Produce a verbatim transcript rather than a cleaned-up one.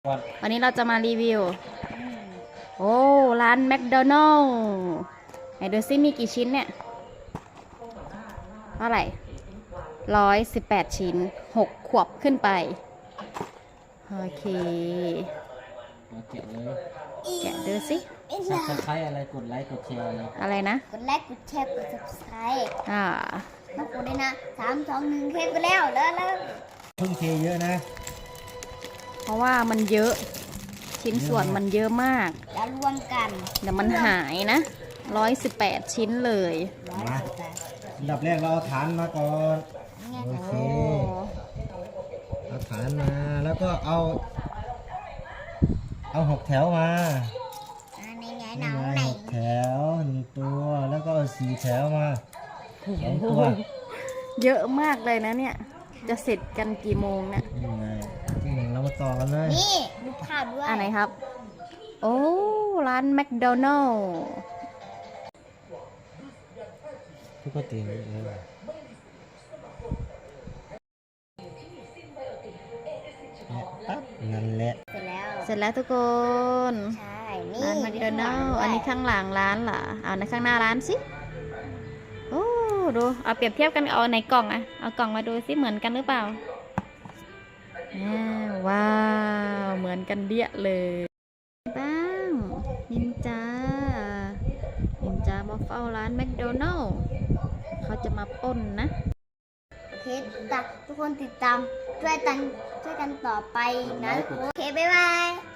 วันนี้เราจะมารีวิว โอ้ ร้านแมคโดนัลล์ไหนดูซิมีกี่ชิ้นเนี่ย เท่าไหร่ร้อยสิบแปดชิ้นหกขวบขึ้นไป โอเคมาแกะเลยแกะดูสิซับสไครต์อะไรกดไลค์กดแชร์เลยอะไรนะกดไลค์กดแชร์กด subscribe อ่าต้องกดด้วยนะสามสองหนึ่งเทปไปแล้วแล้วแล้วเพิ่งเทเยอะนะเพราะว่ามันเยอะ ชิ้นส่วนมันเยอะมากแล้วรวมกันเดี๋ยวมันหายนะร้อยสิบแปดชิ้นเลยมาอันดับแรกเราเอาฐานมาก่อนโอเค เอาฐานมาแล้วก็เอา เอาหกแถวมาอ่าในไงหนี่นังไงไหนหกแถวหนึ่งตัวแล้วก็เอาสี่แถวมาสองตัวเยอะมากเลยนะเนี่ย จะเสร็จกันกี่โมงเนี่ยนี่ไงที่หนึ่งเรามาต่อกันเลยนี่ดูภาพด้วยอันไหนครับ โอ้ ร้านแมคโดนัลล์ทุกคนตีเลยปั๊บนั่นแหละเสร็จแล้วเสร็จแล้วทุกคนใช่นี่ร้านแมคโดนัลล์อันนี้ข้างหลังร้านเหรอ เอาในข้างหน้าร้านสิ โอ้ ดู เอาเปรียบเทียบกันเอาในกล่องอะเอากล่องมาดูสิเหมือนกันหรือเปล่าอ่าว้าว เหมือนกันเดี้ยเลยบ้างนินจา นินจามาเฝ้าร้านแมคโดนัลล์เขาจะมาปล้นนะโอเคตามทุกคนติดตามช่วยกันช่วยกันต่อไปนะโอเคบ๊ายบาย